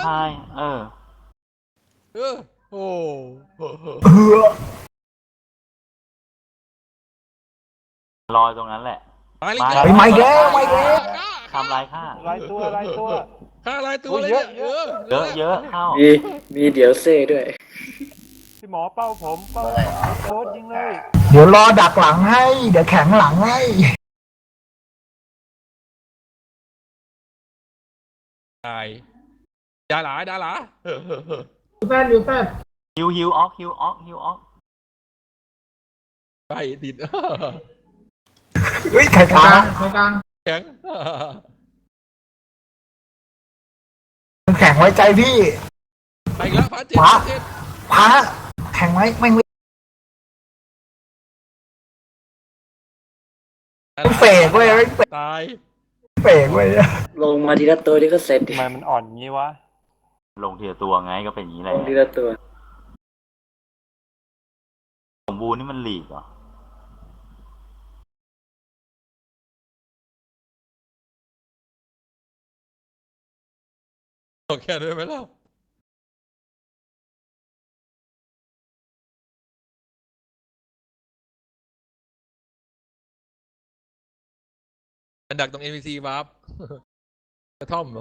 ายโอ้ลอยตรงนั้นแหละมาเลยไม่แก้ไม่แก้ทำลายข้าลายตัวฆ่าลายตัวเลยเนี่ยเยอะเข้ามีเดี๋ยวเซ่ด้วยพี่หมอเป้าผมเป้าโค้ดยิงเลยเดี๋ยวรอดักหลังให้ เดี๋ยวแข็งหลังให้ตายดาหลาแฟนอยู่แฟนฮิวออกไปติดเฮ้ยไข่กลางแข็งแข็งไว้ใจพี่ไปอีกแล้วพระเจ็ดพระแข็งไว้ไม่เฟกเว้ยตายเฟกเว้ยลงมาทีละตัวนี่ก็เสร็จดิทำไมมันอ่อนงี้วะลงทีละตัวไงก็เป็นอย่างนี้แหลละงทีละตัวสมบูรณ์นี่มันหลีกเหรอโอเคด้วยไหมล่ะอันดักตรง NPC วาร์ปกระท่อมเหรอ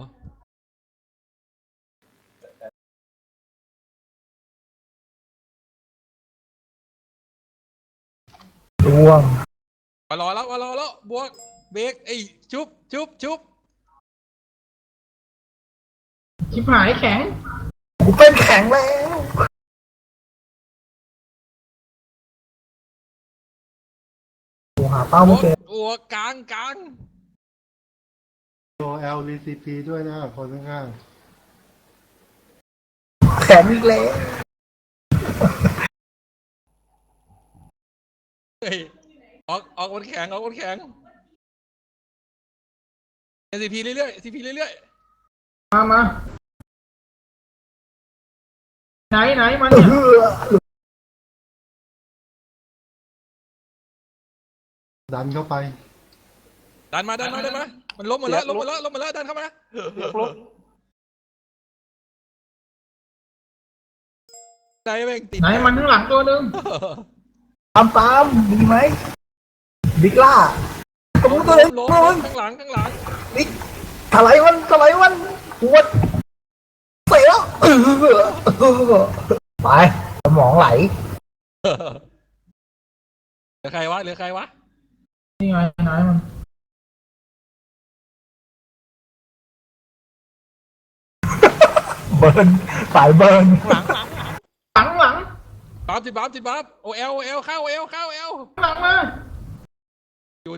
ดวงมารอแล้วบวกเบรกไอ้ชุบชิบหายแข็งกูเป็นแข็งแล้วกูหาเป้าไม่เจอโอ้กลางโอเอลรีซีพีด้วยนะคนข้างแข็งอีกแล้วเฮ้ยออกคนแข็งCP เรื่อยๆ CP เรื่อยมาไหนมันเนี่ยๆดันเข้าไปๆดันมามันล้มหมดแล้วดันเข้ามาไหนแม่งติดไหนมันข้างหลังตัวนึงตามดีไหมบิ๊กล่าตัวนึงตัวนึงล้มข้างหลังบิ๊กถลายมันปวดเสียไปสมองไหลเหลือใครวะนี่ไงไหนมันเบิร์นสายเบิร์นหลังบัฟจิบัฟโอเอลเข้าเอลหลังมาอยู่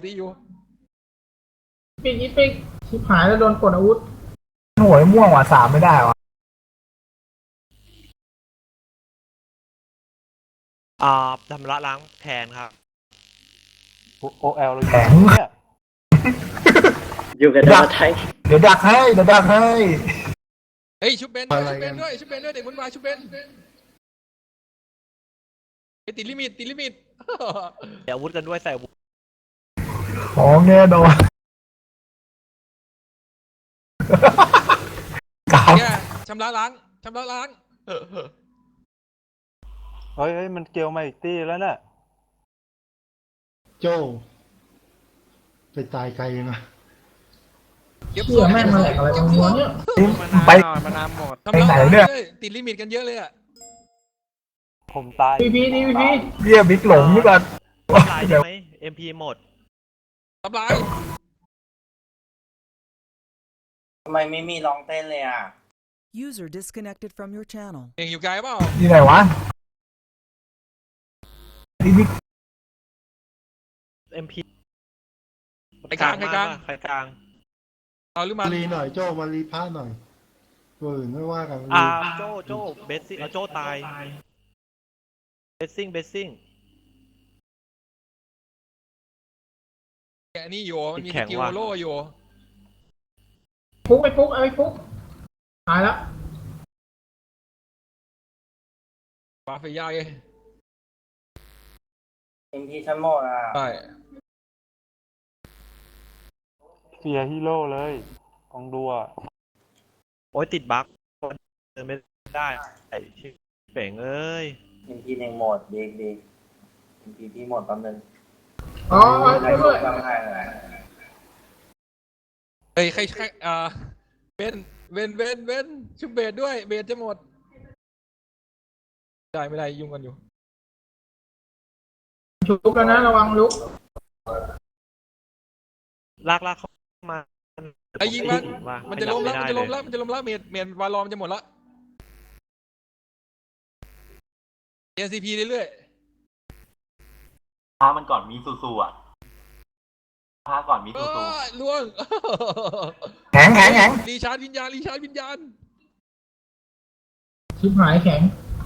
ปีกชิบหายแล้วโดนกดอาวุธหน่วยม่วงว่ะ3ไม่ได้ว่ะชำระล้างแทนครับโอเอลเลยเนี่ยอยู่กับดาวไทยเดี๋ยวดักให้เฮ้ยชุบเบนอะไรกันด้วยเด็กมันมาชุบเบนติดลิมิตเดี๋ยวอาวุธกันด้วยใส่อาวุธของแน่นอนกาวแกชำระล้างเฮ้ยมันเกลียวมาอีกตีแล้วน่ะโจ้ไปตายไกลนะเก็บเชื่อแม่งมาแหลกอะไรตรงนี้เนี่ยไปมานามหมดไปไหนเนี่ยติดลิมิตกันเยอะเลยอะผมตายพีเรียบิ๊กหลงนี่ก่อนลายใช่ไหม MP หมดทำลายทำไมไม่มีร้องเต้นเลยอ่ะ User disconnected from your channel. เองอยู่ไกลเปล่าที่ไหนวะบิ๊ก MP ไปกลางใครกลางเอาหรือมัมาน รีหน่อยโจ้มารีพาหน่อยตัวอื่นไม่ว่ากันโจ้เบสซิ่งโจ้ตายเบสซิ่งแกนี่อยู่มันมีสกิลโล่อยู่ฟุกไอ้ฟุกตายแล้วปาเฟย่าไงเอ็มพีชั้นหมดอ่ะใช่เสียฮีโร่เลยของดูอ่ะโอ้ยติดบั๊กเดินไม่ได้ไอ้ชิบเป่งเอ้ยอินพีในโหมดดีดีอินพีที่โหมดแป๊บนึงอ๋อใครช่วยกด้วยดให้เลยเฮ้ยใครเว้นชุบเบสด้วยเบสจะหมดได้ไม่ได้ยุ่งกันอยู่ชุบแล้วนะระวังลุกลากเข้ามาไอ้ยิงมันว่ามันจะล้มแล้วไได้มันจะล้มแล้วมันจะล้มแล้วเมดวาลอมจะหมดละ NCP เรื่อยพามันก่อนมีซูอ่ะพาก่อนมีๆซูล่วงแข็งรีชาร์จวิญญาณชิบหายแข็ง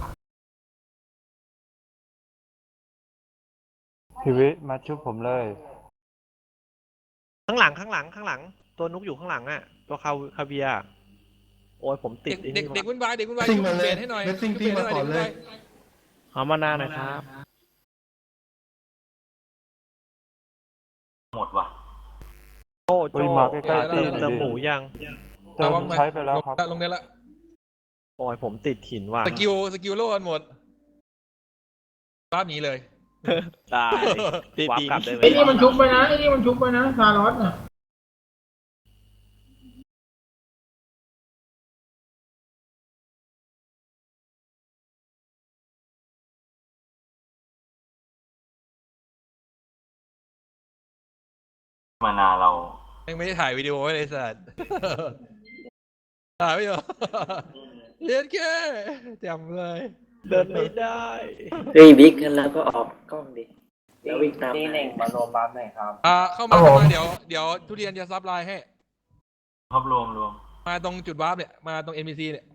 พี่วิมาชุบผมเลยข้างหลัง ตัวนุกอยู่ข้างหลังอ่ะ ตัวคาเวียร์โอ้ยผมติดเด็กวุ่นวายชุบซิ่งมาเลยเบสให้หน่อยเบสซิ่งที่มาก่อนเลยเอามานาหน่อยครับหมดว่ะโอ้โจเฮ้ยมาใกล้ๆตีเติมหมูยังเติมใช้ไปแล้วครับลงได้ละโอ้ยผมติดหินว่ะสกิลโล่กันหมดบ้านหนีเลยตายวับกลับเลยไอ้นี่มันชุบไปนะซารอสน่ะมานาเรายังไม่ได้ถ่ายวิดีโอไว้เลยสัตว์ ถ่ายไม่เหรอ เย็นแค่จำเลยเดินไม่ได้เฮ้ยบิ๊กงั้นแล้วก็ออกกล้องดิแล้ววิ่งตามนี่หนึ่งมารวมบัฟหน่อยครับเข้ามาเดี๋ยวทุเรียนจะซับไลน์ให้รวบรวมมาตรงจุดวาร์ปเนี่ย มาตรง NPC เนี่ย